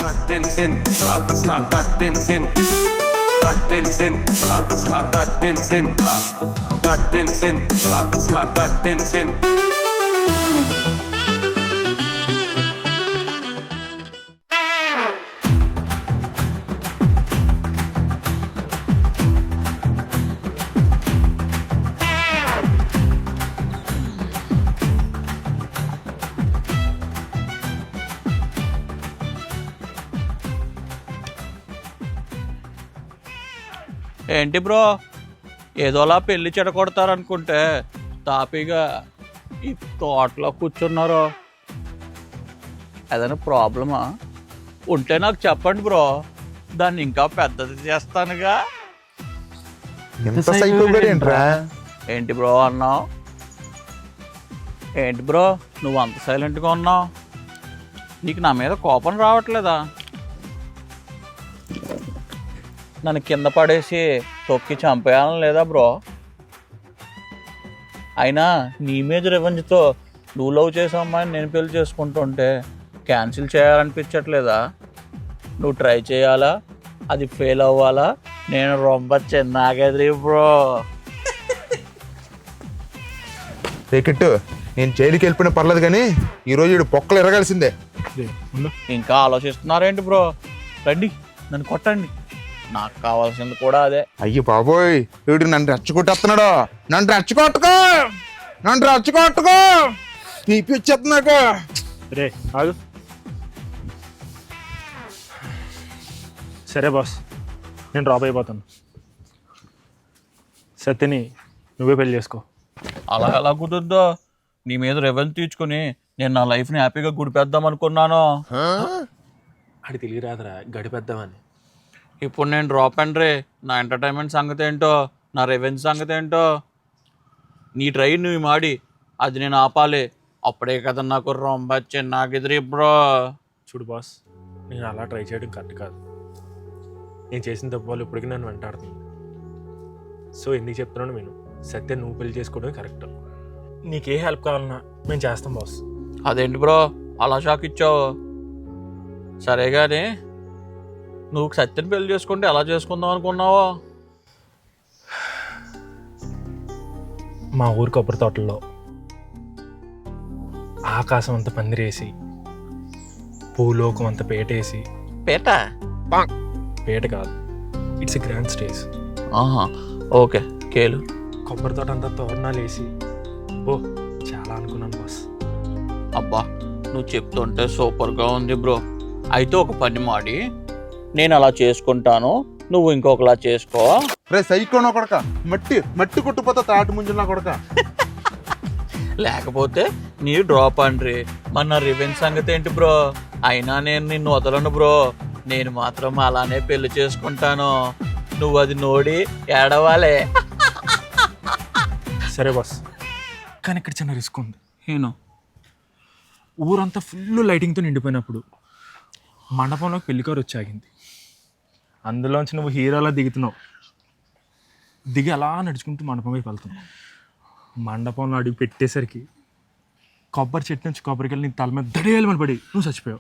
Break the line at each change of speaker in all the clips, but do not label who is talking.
ఏంటి బ్రో ఏదోలా పెళ్లి చెడగొడతారనుకుంటే తాపీగా ఈ తోటలో కూర్చున్నారు. ఏదైనా ప్రాబ్లమా ఉంటే నాకు చెప్పండి బ్రో, దాన్ని ఇంకా పెద్దది చేస్తానుగా. ఏంటి బ్రో అన్నావు? ఏంటి బ్రో నువ్వు అంత సైలెంట్గా ఉన్నావు? నీకు నా మీద కోపం రావట్లేదా? నన్ను కింద పడేసి తొక్కి చంపేయాలని లేదా బ్రో? అయినా నీ మీద రివెంజ్తో నువ్వు లవ్ చేసే అమ్మాయిని నేను పెళ్లి చేసుకుంటుంటే క్యాన్సిల్ చేయాలనిపించట్లేదా? నువ్వు ట్రై చేయాలా, అది ఫెయిల్ అవ్వాలా? నేను రొంబ చిన్నగెదిరి బ్రో.
రేకెట్టు నేను జైలుకి వెళ్ళిపోయినా పర్లేదు కానీ ఈరోజు వీడు పొక్కలు ఎరగాల్సిందే.
ఇంకా ఆలోచిస్తున్నారేంటి బ్రో? రండి నన్ను కొట్టండి, నాకు కావాల్సింది కూడా అదే.
అయ్యో బాబోయ్, వీడు నన్ను రెచ్చగొట్టేస్తున్నాడు. నన్ను రెచ్చగొట్టుకో తీపి వచ్చేస్తున్నాక.
రే ఆగు. సరే బాస్, నేను డ్రాప్ అయిపోతాను. సత్యని నువ్వే పెళ్లి చేసుకో.
అలా ఎలా కుదురుద్దో? నీ మీద రెవెన్యూ తీర్చుకుని నేను నా లైఫ్ని హ్యాపీగా గుడిపేద్దాం అనుకున్నాను.
అది తెలియరాదురా, గడిపేద్దామని.
ఇప్పుడు నేను డ్రాప్ అండ్ రే, నా ఎంటర్టైన్మెంట్ సంగతి ఏంటో, నా రెవెన్యూ సంగతి ఏంటో. నీ ట్రైన్ నువ్వు మాడి అది నేను ఆపాలి. అప్పుడే కదా నాకు రొంబ చిన్నగెదిరి బ్రో.
చూడు బాస్, నేను అలా ట్రై చేయడం కరెక్ట్ కాదు. నేను చేసిన తప్పు వాళ్ళు ఇప్పటికీ నన్ను వెంటాడుతుంది. సో ఎందుకు చెప్తున్నాను నేను, సత్యం నువ్వు పెళ్లి చేసుకోవడమే కరెక్ట్. నీకే హెల్ప్ కావాలన్నా మేము చేస్తాం బాస్.
అదేంటి బ్రో అలా షాక్ ఇచ్చావు? సరే కానీ నువ్వు సత్యని పెళ్లి చేసుకుంటే ఎలా చేసుకుందాం అనుకున్నావో?
మా ఊరి కొబ్బరి తోటల్లో ఆకాశం అంత పందిరేసి, భూలోకం అంత పేటేసి.
పేట?
పేట కాదు, it's a grand stage.
Okay కేలు.
కొబ్బరి తోట అంతా తోరణాలు వేసి, ఓ చాలా అనుకున్నాను బాస్.
అబ్బా నువ్వు చెప్తుంటే సూపర్గా ఉంది బ్రో. అయితే ఒక పని మాడి, నేను అలా చేసుకుంటాను, నువ్వు ఇంకొకలా చేసుకో.
రే సైకోనా కొడక, మట్టి కొట్టుపోతా తాటి ముంజున్నా కొడక.
లేకపోతే నీ డ్రాప్ అండ్రి, మన రివెంజ్ సంగతి ఏంటి బ్రో? అయినా నేను నిన్ను వదలను బ్రో. నేను మాత్రం అలానే పెళ్లి చేసుకుంటాను, నువ్వు అది నోడి ఏడవాలే.
సరే బాస్, కానీ ఇక్కడ చిన్న రిస్క్ ఉంది.
నేను
ఊరంతా ఫుల్ లైటింగ్తో నిండిపోయినప్పుడు మండపంలో పెళ్లికారు వచ్చాగింది. అందులోంచి నువ్వు హీరోలా దిగుతున్నావు. దిగి అలా నడుచుకుంటూ మండపం వైపు వెళ్తున్నావు. మండపంలో అడుగు పెట్టేసరికి కొబ్బరి చెట్టు నుంచి కొబ్బరికెళ్ళి నీ తల మీద దడేయాలని పడి నువ్వు చచ్చిపోయావు.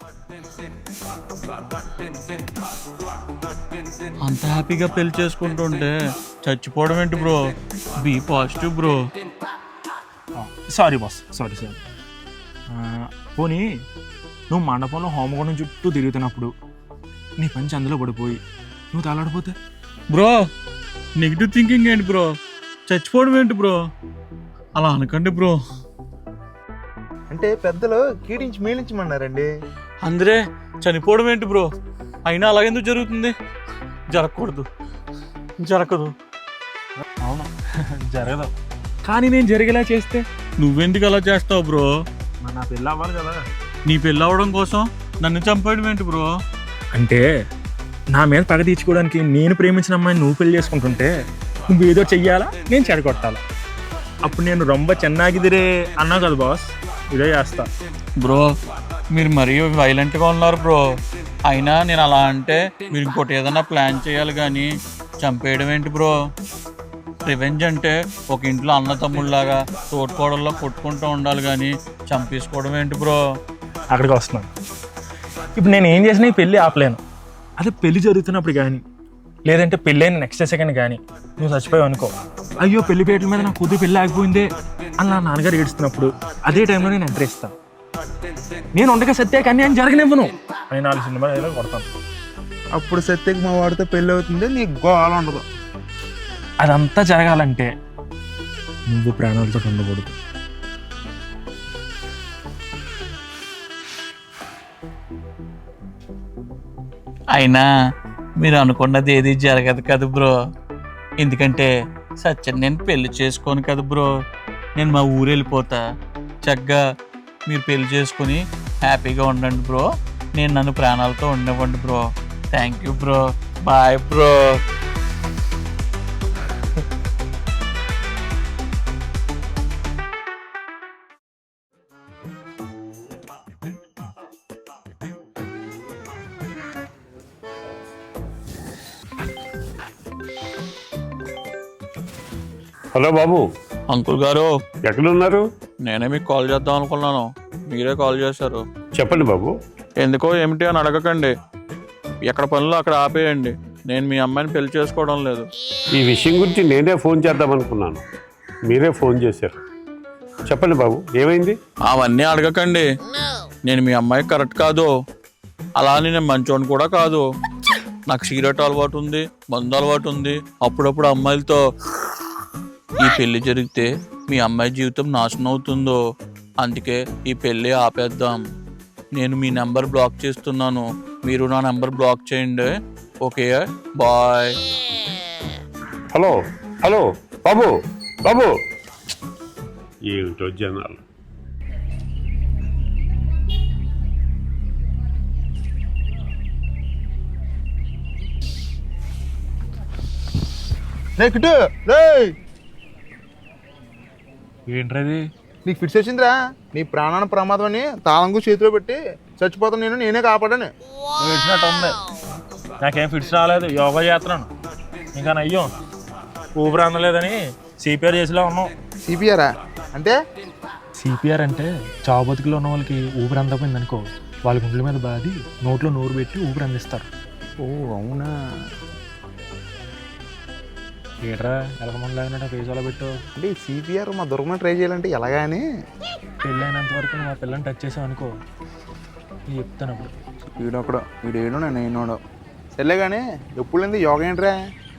అంత హ్యాపీగా పెళ్లి చేసుకుంటుంటే చచ్చిపోవడం ఏంటి bro? Be positive bro.
Sorry boss, sorry. పోనీ నువ్వు మండపంలో హోమగుండం చుట్టూ తిరుగుతున్నప్పుడు నీ పంచి అందులో పడిపోయి నువ్వు తాలాడిపోతే?
బ్రో నెగిటివ్ థింకింగ్ ఏంటి బ్రో? చచ్చిపోవడం ఏంటి బ్రో? అలా అనకండి బ్రో.
అంటే పెద్దలు కీడించి మేలించమన్నారండి.
అందరే చనిపోవడం ఏంటి బ్రో? అయినా అలాగెందుకు జరుగుతుంది? జరగకూడదు, జరగదు.
అవును జరగదు, కానీ నేను జరిగేలా చేస్తే
నువ్వెందుకు అలా చేస్తావు బ్రో?
నా పెళ్ళి అవ్వాలి కదా.
నీ పెళ్ళి అవ్వడం కోసం నన్ను చంపేయడం ఏంటి బ్రో?
అంటే నా మీద పగ తీర్చుకోవడానికి నేను ప్రేమించిన అమ్మాయిని నువ్వు పెళ్లి చేసుకుంటుంటే నువ్వు ఏదో చెయ్యాలా, నేను చెడగొట్టాలా. అప్పుడు నేను రొంబ చెన్నాగిదిరే అన్నావు కదా బాస్, ఇదే చేస్తా.
బ్రో మీరు మరీ వైలెంట్గా ఉన్నారు బ్రో. అయినా నేను అలా అంటే మీరు ఇంకోటి ఏదైనా ప్లాన్ చేయాలి కానీ చంపేయడం ఏంటి బ్రో? రివెంజ్ అంటే ఒక ఇంట్లో అన్న తమ్ముళ్ళలాగా తోడుకోవడంలో కొట్టుకుంటూ ఉండాలి కానీ చంపేసుకోవడం ఏంటి బ్రో?
అక్కడికి వస్తున్నాను. ఇప్పుడు నేను ఏం చేసినా ఈ పెళ్ళి ఆపలేను. అదే పెళ్లి జరుగుతున్నప్పుడు కానీ, లేదంటే పెళ్ళైన నెక్స్ట్ సెకండ్ కానీ నువ్వు చచ్చిపోయావు అనుకో, అయ్యో పెళ్లి పేటల మీద నా కూతురు పెళ్ళి ఆగిపోయిందే అని నా నాన్నగారు ఏడుస్తున్నప్పుడు అదే టైంలో నేను ఎంటర్ ఇస్తాను. నేను ఉండగా సత్య కానీ అని జరగనివ్వను అని 4 సినిమాలు కొడతాను.
అప్పుడు సత్యకి మా వాడితో పెళ్ళి అవుతుంది, నీకు గోళ ఉండదు.
అదంతా జరగాలంటే నువ్వు ప్రాణాలతో ఉండకూడదు.
అయినా మీరు అనుకున్నది ఏది జరగదు కదా బ్రో. ఎందుకంటే సత్యం నేను పెళ్లి చేసుకోను కదా బ్రో. నేను మా ఊరు వెళ్ళిపోతా. చక్కగా మీరు పెళ్లి చేసుకుని హ్యాపీగా ఉండండి బ్రో. నేను నన్ను ప్రాణాలతో ఉండవండి bro. Thank you bro. Bye bro.
Hello బాబు,
అంకుల్ గారు,
ఎక్కడున్నారు?
నేనే మీకు కాల్ చేద్దాం అనుకున్నాను, మీరే కాల్ చేశారు.
చెప్పండి బాబు.
ఎందుకో ఏమిటి అని అడగకండి. ఎక్కడ పనులు అక్కడ ఆపేయండి. నేను మీ అమ్మాయిని పెళ్లి చేసుకోవడం లేదు.
ఈ విషయం గురించి నేనే ఫోన్ చేద్దామనుకున్నాను, మీరే ఫోన్ చేశారు. చెప్పండి బాబు, ఏమైంది?
అవన్నీ అడగకండి. నేను మీ అమ్మాయి కరెక్ట్ కాదు. అలా అని నేను మంచోని కూడా కాదు. నాకు సిగరెట్ అలవాటు ఉంది, మందు అలవాటు ఉంది. అప్పుడప్పుడు అమ్మాయిలతో. ఈ పెళ్లి జరిగితే మీ అమ్మాయి జీవితం నాశనం అవుతుందో, అందుకే ఈ పెళ్ళి ఆపేద్దాం. నేను మీ నెంబర్ బ్లాక్ చేస్తున్నాను, మీరు నా నెంబర్ బ్లాక్ చేయండి. Okay bye.
హలో హలో బాబు, బాబు ఏమిటో జనాలు.
కిట్టు రే,
ఏంట్రది?
నీకు ఫిట్స్ వచ్చిందిరా. నీ ప్రాణాన ప్రమాదం అని తాళంగు చేతిలో పెట్టి చచ్చిపోతాను నేనే కాపాడాను.
నువ్వు ఇచ్చినట్టు ఉంది. నాకేం ఫిట్స్ రాలేదు, యోగా చేస్తున్నాను. ఇంకా అయ్యో ఊపిరి అందలేదని సిపిఆర్ చేసేలా ఉన్నాం.
సిపిఆరా అంటే?
సిపిఆర్ అంటే చావు బతుకులో ఉన్న వాళ్ళకి ఊపిరి అందకపోయింది అనుకో, వాళ్ళ గుండెల మీద బాది నోట్లో నోరు పెట్టి ఊపిరి అందిస్తారు.
ఓ అవునా?
ఏట్రా ఎలకమంది లాగినట్టు ఫేస్ అలా పెట్టు.
అంటే ఈ సిపిఆర్ మా దొరకమని ట్రై చేయాలంటే ఎలాగాని?
పెళ్ళైనంత వరకు నువ్వు ఆ పిల్లని టచ్ చేసావు అనుకో, నేను చెప్తాను అప్పుడు.
వీడేడు నేను ఏనోడు సర్లే కానీ ఎప్పుడు లేని యోగా ఏంట్రా?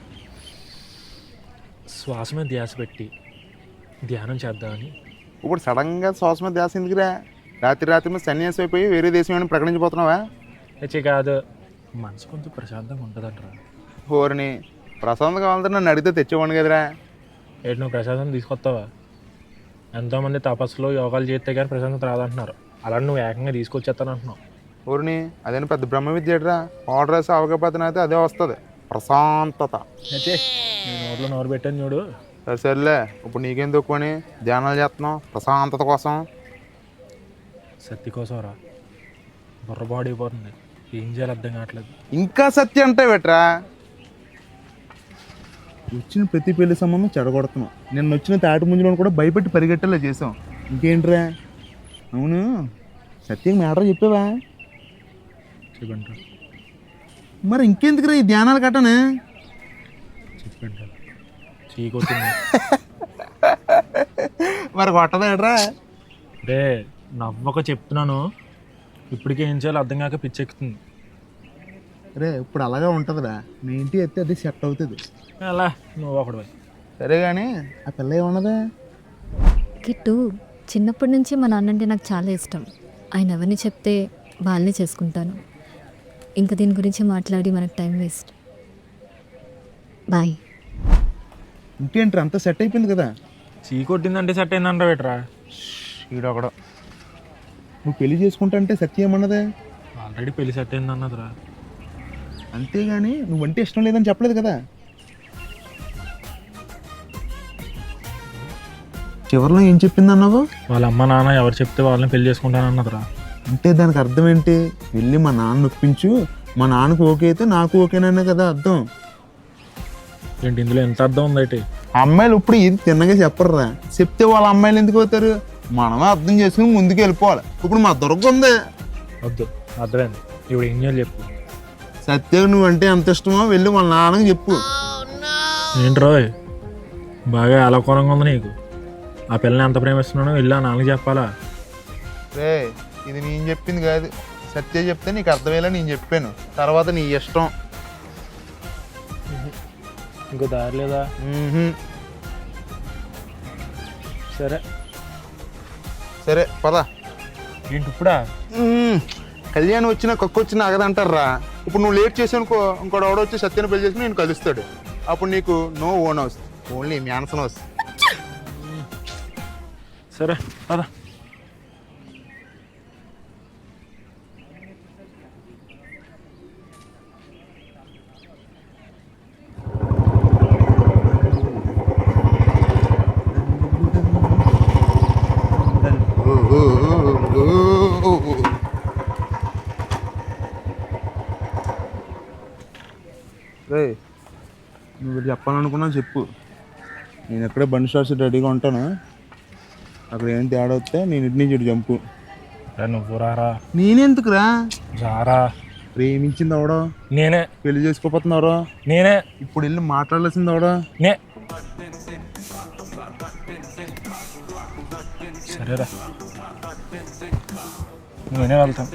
శ్వాస మీద ధ్యాస పెట్టి ధ్యానం చేద్దామని.
ఇప్పుడు సడన్గా శ్వాస మీద ధ్యాస ఎందుకురా? రాత్రి మీద సన్యాసం అయిపోయి వేరే దేశం ఏమైనా ప్రకటించిపోతున్నావా?
హెచ్చే కాదు, మనసు కొంచెం ప్రశాంతంగా ఉంటుందంటరా.
హోరిని ప్రశాంతం కావాలంటే నన్ను అడిగితే తెచ్చేవాడిని కదరా.
ఏంటి నువ్వు ప్రశాంతం తీసుకొస్తావా? ఎంతోమంది తపస్సులో యోగాలు చేస్తే కానీ ప్రశాంతత రాదంటున్నారు, అలా నువ్వు ఏకంగా తీసుకొచ్చేస్తాను అంటున్నావు.
ఊరిని అదేనా పెద్ద బ్రహ్మ విద్య ఏట్రా? ఆర్డర్ వేసి అవకపోతే అయితే అదే వస్తుంది, ప్రశాంతత.
నీ నోట్లో నోరు పెట్టాను చూడు.
సర్లే, ఇప్పుడు నీకేం తక్కువని ధ్యానాలు చేస్తున్నావు ప్రశాంతత కోసం?
సత్తి కోసం రా, బుర్రబాడీ అయిపోతుంది, ఏం చేయాలి అర్థం కావట్లేదు.
ఇంకా సత్యం అంటే పెట్టరా? వచ్చిన ప్రతి పెళ్లి సంబంధం చెడగొడుతున్నాం. నిన్న వచ్చిన తాటి ముంజులో కూడా భయపెట్టి పరిగెట్టేలా చేసాం. ఇంకేంట్రా? అవును, సత్యం మ్యాటర్ చెప్పావా?
చెప్పండి
మరి ఇంకెందుకురా ఈ ధ్యానాలు కట్టనే?
చెప్పండి చీకొట్టింది.
మరి కొట్టదేట్రా?
రే నవ్వక చెప్తున్నాను, ఇప్పటికే ఏం చేయాలో అర్థం కాక పిచ్చెక్కుతుంది.
రే ఇప్పుడు అలాగే ఉంటుందిరా, మీ ఇంటి ఎత్తే అది సెట్ అవుతుంది.
అలా నువ్వు ఒకడు.
సరే కానీ ఆ పిల్ల ఏమన్నదా?
కిట్టు, చిన్నప్పటి నుంచి మా నాన్నంటే నాకు చాలా ఇష్టం. ఆయన ఎవరిని చెప్తే వాళ్ళని చేసుకుంటాను. ఇంకా దీని గురించి మాట్లాడి మనకు టైం వేస్ట్. బాయ్.
ఇంకేంట్రా అంతా సెట్ అయిపోయింది కదా?
చీకొట్టిందంటే సెట్ అయిందంట బెటరా.
ఈడొకడు నువ్వు పెళ్లి చేసుకుంటా అంటే సత్యం ఏమన్నదే?
ఆల్రెడీ పెళ్లి సెట్ అయింది అన్నదిరా.
అంతేగాని నువ్వంటే ఇష్టం లేదని చెప్పలేదు కదా? చివరిలో ఏం చెప్పింది అన్నావు?
వాళ్ళ అమ్మ నాన్న ఎవరు చెప్తే వాళ్ళని పెళ్లి చేసుకుంటాను అన్నదిరా.
అంటే దానికి అర్థం ఏంటి? వెళ్ళి మా నాన్న ఒప్పించు, మా నాన్నకు ఓకే అయితే నాకు ఓకేననే కదా అర్థం.
ఏంటి ఇందులో ఎంత అర్థం ఉందైతే?
అమ్మాయిలు ఇప్పుడు ఇది తిన్నగా చెప్పరురా, చెప్తే వాళ్ళ అమ్మాయిలు ఎందుకు అవుతారు? మనమే అర్థం చేసుకుని ముందుకు వెళ్ళిపోవాలి. ఇప్పుడు మా దొరక ఉంది.
వద్దు, అర్థమైంది. ఇప్పుడు ఏం చేయాలి చెప్పు.
సత్యం నువ్వంటే ఎంత ఇష్టమో వెళ్ళి వాళ్ళ నాన్నకి చెప్పు.
ఏంట్రో బాగా అలకోరంగా ఉంది నీకు. ఆ పిల్లని ఎంత ప్రేమిస్తున్నానో వెళ్ళి ఆ నాన్నకి చెప్పాలా?
రే ఇది నేను చెప్పింది కాదు, సత్య చెప్తే నీకు అర్థమయ్యేలా నేను చెప్పాను. తర్వాత నీ ఇష్టం.
ఇంకో దారి లేదా? సరే
సరే పద.
ఏంటి ఇప్పుడా?
కళ్యాణం వచ్చినా కక్కు వచ్చినా ఆగదంటారా. ఇప్పుడు నువ్వు లేట్ చేసానుకో, ఇంకోటి ఎవడో వచ్చి సత్యాన్ని పెళ్లి చేసుకుని నేను కలుస్తాడు. అప్పుడు నీకు no own house, only mansion house.
సరే పద.
రే నువ్వు చెప్పాలనుకున్నా చెప్పు, నేను ఎక్కడే బండి షార్ట్స్ రెడీగా ఉంటాను. అక్కడ ఏం తేడా వస్తే నేను ఇటు నుంచి ఇటు జంపు.
నువ్వు రారా.
నేనెందుకురా?
రారా.
ప్రేమించింది అవడో
నేనే.
పెళ్లి చేసుకోపోతున్నారో
నేనే.
ఇప్పుడు వెళ్ళి మాట్లాడాల్సింది అవడో
నే. సరేరా నేనే వెళ్తాను,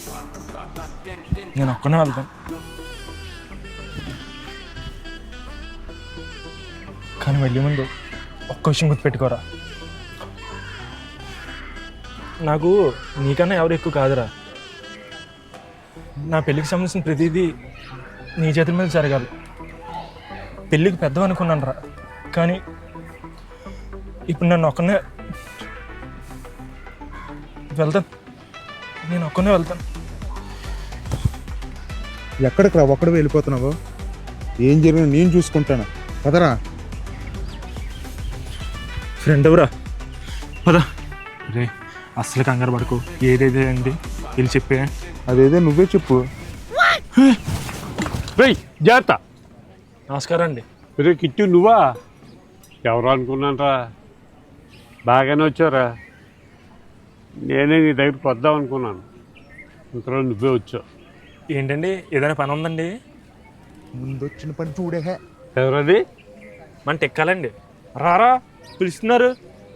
నేను ఒక్కనే వెళ్తాను. కానీ వెళ్ళే ముందు ఒక్క విషయం గుర్తుపెట్టుకోరా, నాకు నీకన్నా ఎవరు ఎక్కువ కాదురా. నా పెళ్ళికి సంబంధించిన ప్రతిదీ నీ చేతుల మీద జరగాలి. పెళ్ళికి పెద్దవి అనుకున్నాను రా, కానీ ఇప్పుడు నన్ను ఒక్కనే వెళ్తాను, నేను ఒక్కనే వెళ్తాను.
ఎక్కడికి రా ఒక్కడే వెళ్ళిపోతున్నావు? ఏం జరిగినా నేను చూసుకుంటాను. పదరా.
ఫ్రెండ్ ఎవరా? పదా. రే అస్సలు కంగారు పడుకో, ఏదేదే అండి వెళ్ళి చెప్పే.
అదేదో నువ్వే చెప్పు.
రేయ్ జాగ్రత్త.
నమస్కారం అండి.
రే కిట్టు నువ్వా? ఎవరు అనుకున్నానరా, బాగానే వచ్చారా. నేనే నీ దగ్గరికి వద్దాం అనుకున్నాను, ఇంతలో నువ్వే వచ్చావు.
ఏంటండి ఏదైనా పని ఉందండి?
ముందు వచ్చిన పని చూడే.
ఎవరది?
మన టెక్కాలండి. రారా పిలుస్తున్నారు.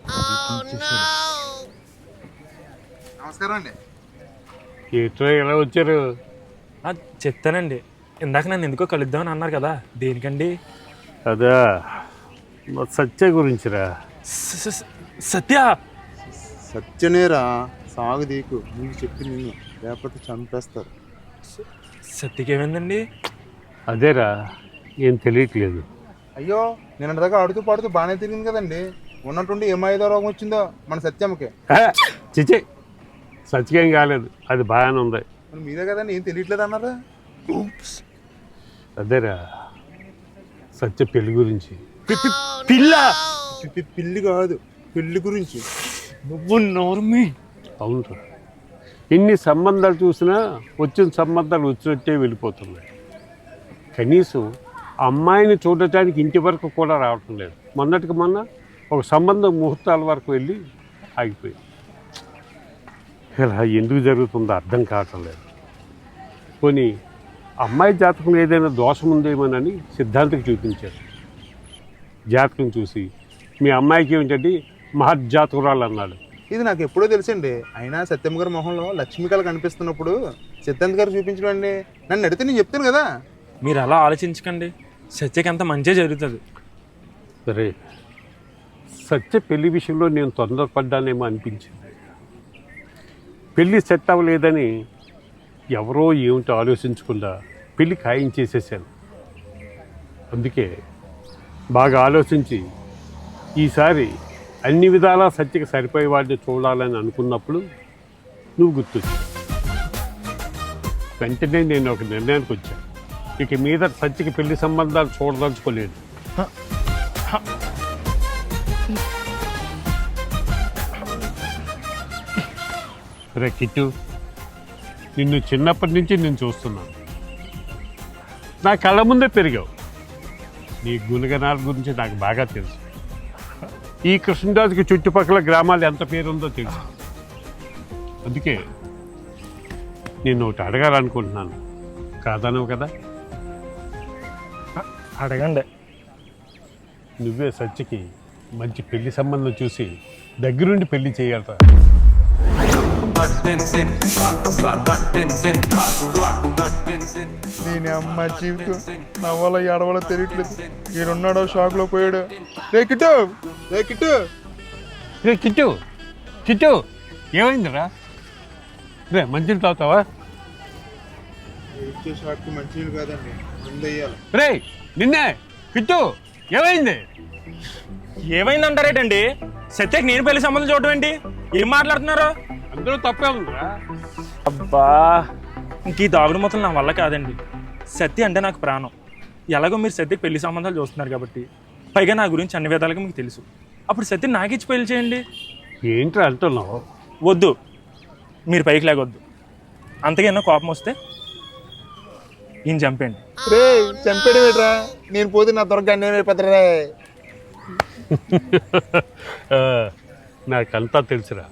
నమస్కారం అండి.
ఏటో ఎలా వచ్చారు?
చెప్తానండి. ఇందాక నన్ను ఎందుకో కలుద్దామని అన్నారు కదా, దేనికండి?
అదా మా సత్య గురించిరా.
సత్య?
సత్యనేరా సాగు దీకు, నీకు చెప్పి నిన్ను లేకపోతే చంపేస్తారు.
సత్యకేమైందండి?
అదేరా ఏం తెలియట్లేదు.
అయ్యో నేను దాకా ఆడుతూ పాడుతూ బాగానే తిరిగింది కదండి. ఉన్నట్టుండి ఏమైదో రోగం వచ్చిందో మన సత్యమ్మకి.
చిచి సత్యకేం కాలేదు, అది బాగానే ఉంది.
మరి మీరే కదండి ఏం తెలియట్లేదు అన్నారా?
అదేరా సత్య పెళ్లి గురించి.
పిల్ల?
పిల్లి కాదు, పెళ్లి గురించి.
నువ్వు నోర్మి.
అవునరా, ఎన్ని సంబంధాలు చూసినా వచ్చిన సంబంధాలు వచ్చినట్టే వెళ్ళిపోతున్నాయి. కనీసం అమ్మాయిని చూడటానికి ఇంటి వరకు కూడా రావటం లేదు. మొన్నటికి మొన్న ఒక సంబంధం ముహూర్తాల వరకు వెళ్ళి ఆగిపోయింది. ఇలా ఎందుకు జరుగుతుందో అర్థం కావటం లేదు. పోనీ అమ్మాయి జాతకం ఏదైనా దోషం ఉందేమోనని సిద్ధాంతికి చూపించారు. జాతకం చూసి మీ అమ్మాయికి ఏమిటండి మహర్జాతకురాలు అన్నాడు.
ఇది నాకు ఎప్పుడో తెలుసండి. అయినా సత్యమ్మ గారి మొహంలో లక్ష్మీకళ కనిపిస్తున్నప్పుడు సిద్ధాంత్ గారు చూపించడం అండి. నన్ను అడిగితే నేను చెప్తాను కదా.
మీరు అలా ఆలోచించకండి, సత్యకి అంత మంచిగా జరుగుతుంది.
సరే సత్య పెళ్లి విషయంలో నేను తొందరపడ్డానేమో అనిపించింది. పెళ్ళి సెట్ అవ్వలేదని ఎవరో ఏమిటో ఆలోచించకుండా పెళ్ళి ఖాయం చేసేసాను. అందుకే బాగా ఆలోచించి ఈసారి అన్ని విధాలా సత్యకి సరిపోయే వాడిని చూడాలని అనుకున్నప్పుడు నువ్వు గుర్తొచ్చు. వెంటనే నేను ఒక నిర్ణయానికి వచ్చాను. ఇక మీద సత్యకి పెళ్లి సంబంధాలు చూడదలుచుకోలేదు. రే కిట్టు, నిన్ను చిన్నప్పటి నుంచి నేను చూస్తున్నాను. నా కళ్ళ ముందే పెరిగావు. నీ గుణగణాల గురించి నాకు బాగా తెలుసు. ఈ కృష్ణరాజుకి చుట్టుపక్కల గ్రామాలు ఎంత పేరుందో తెలుసు. అందుకే నేను ఒకటి అడగాలనుకుంటున్నాను, కాదనవు కదా?
అడగండి.
నువ్వే సత్యకి మంచి పెళ్లి సంబంధం చూసి దగ్గరుండి పెళ్లి చేయాలరా.
దీని అమ్మ జీవితం నవ్వాలో ఏడవాలో తెలియట్లేదు. ఈడున్నాడో షాక్లో పోయాడు. రే కిట్టు, రే కిట్టు.
రే కిట్టు, కిట్టు ఏమైందిరా? రే మంచిని తాగుతావా?
ఇచ్చే షాక్కి మంచినీళ్ళు కాదండి, మందు వేయాలి.
రే నిన్నే కిట్టు, ఏమైంది?
ఏమైందంటారేటండి? సత్యకి నేను పెళ్లి సంబంధం చూడటం ఏంటి? ఏం మాట్లాడుతున్నారు?
అందరూ తప్పే ఉందిరా.
అబ్బా, ఇంక ఈ దాగుడు మొత్తం నా వల్ల కాదండి. సత్య అంటే నాకు ప్రాణం. ఎలాగో మీరు సత్యకి పెళ్లి సంబంధాలు చూస్తున్నారు కాబట్టి, పైగా నా గురించి అన్ని విధాలుగా మీకు తెలుసు. అప్పుడు సత్య నాకిచ్చి పెళ్లి చేయండి.
ఏంట్రా అంటున్నావు?
వద్దు, మీరు పైకి లేకొద్దు. అంతకైనా కోపం వస్తే ఈయన చంపేయండి.
రే చంపేడు పెట్టరా, నేను పోతే నా దొరక అన్నీ అయిపోతారా.
నాకంతా తెలుసురా.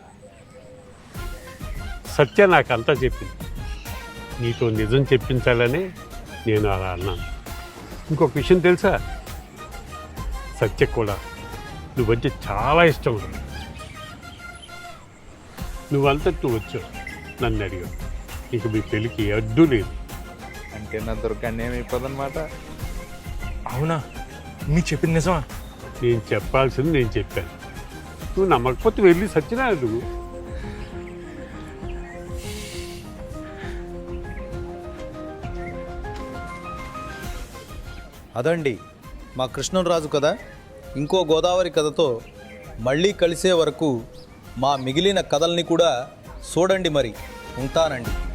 సత్య నాకంతా చెప్పింది. నీతో నిజం చెప్పించాలని నేను అలా అన్నాను. ఇంకొక విషయం తెలుసా? సత్య కూడా నువ్వంటే చాలా ఇష్టం. నువ్వంతటి నువ్వు వచ్చావు, నన్ను అడిగావు. ఇక మీ పెళ్ళికి అడ్డు లేదు.
అంటే నా దొరక అన్నీ అయిపోదన్నమాట.
అవునా? మీకు చెప్పింది నిజమా?
నేను చెప్పాల్సింది నేను చెప్పాను. నువ్వు నమ్మకపోతే వెళ్ళి సత్యనారాయణ నువ్వు.
అదండి మా కృష్ణరాజు కథ. ఇంకో గోదావరి కథతో మళ్ళీ కలిసే వరకు మా మిగిలిన కథల్ని కూడా చూడండి. మరి ఉంటానండి.